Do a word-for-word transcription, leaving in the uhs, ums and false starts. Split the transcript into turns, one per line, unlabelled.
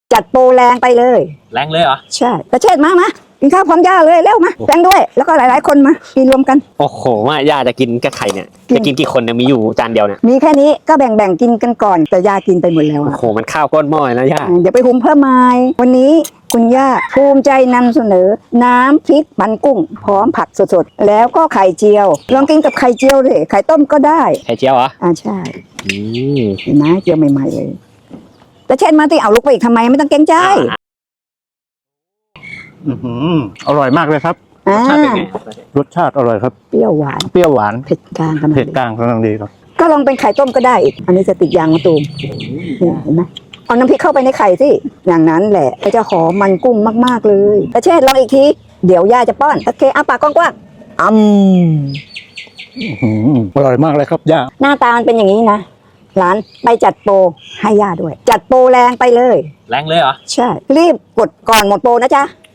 จัดโปรแรงไปเลย
แรงเลยเหรอ
ใช่ประเชษมามากินข้าวพร้อมย่าเลยเร็วมาแฟงด้วยแล้วก็หลายๆคนมากินรวมกัน
โอ้โหว่าย่าจะกินกับไข่เนี่ยจะกินกี่คนเนี่ยมีอยู่จานเดียวเนี่ย
มีแค่นี้ก็แบ่งๆกินกันก่อนแต่ย่ากินไปหมดแล้วอะ
โอ้โหมันข้าวก้นหม้อนะย่า
เดี๋ยวไปหุงเพิ่มไม้วันนี้คุณย่าภูมิใจนำเสนอน้ำพริกมันกุ้งพร้อมผักสดๆแล้วก็ไข่เจียวลองกินกับไข่เจียวเลยไข่ต้มก็ได้
ไข่เจียวเหรอ
อ่าใช่
อืม
เห็นไหมเจียวใหม่ๆเลยแต่เช่นมาที่เอาลุกไปอีกทำไมไม่ต้องเกรงใจ
อืออร่อยมากเลยครับ
รสชาติเป็นไง
รสชาติอร่อยครับ
เปรี้ยวหวาน
เปรี้ยวหวาน
เผ็ดกลางกำลัง
เผ็ดกลางกำลังดีครับ
ก็ลองเป็นไข่ต้มก็ได้อีกอันนี้จะติดยางมะตูมเห็นไหมเอาน้ำพริกเข้าไปในไข่สิอย่างนั้นแหละจะหอมมันกุ้งมากๆเลยแต่เช่นลองอีกทีเดี๋ยวย่าจะป้อนโอเคอ้าปากกว้างๆอื
มอร่อยมากเลยครับย่า
หน้าตามันเป็นอย่างนี้นะร้านไปจัดโปรให้ย่าด้วยจัดโปรแรงไปเลย
แรงเลยเหรอ
ใช่รีบกดก่อนหมดโปรนะจ๊ะ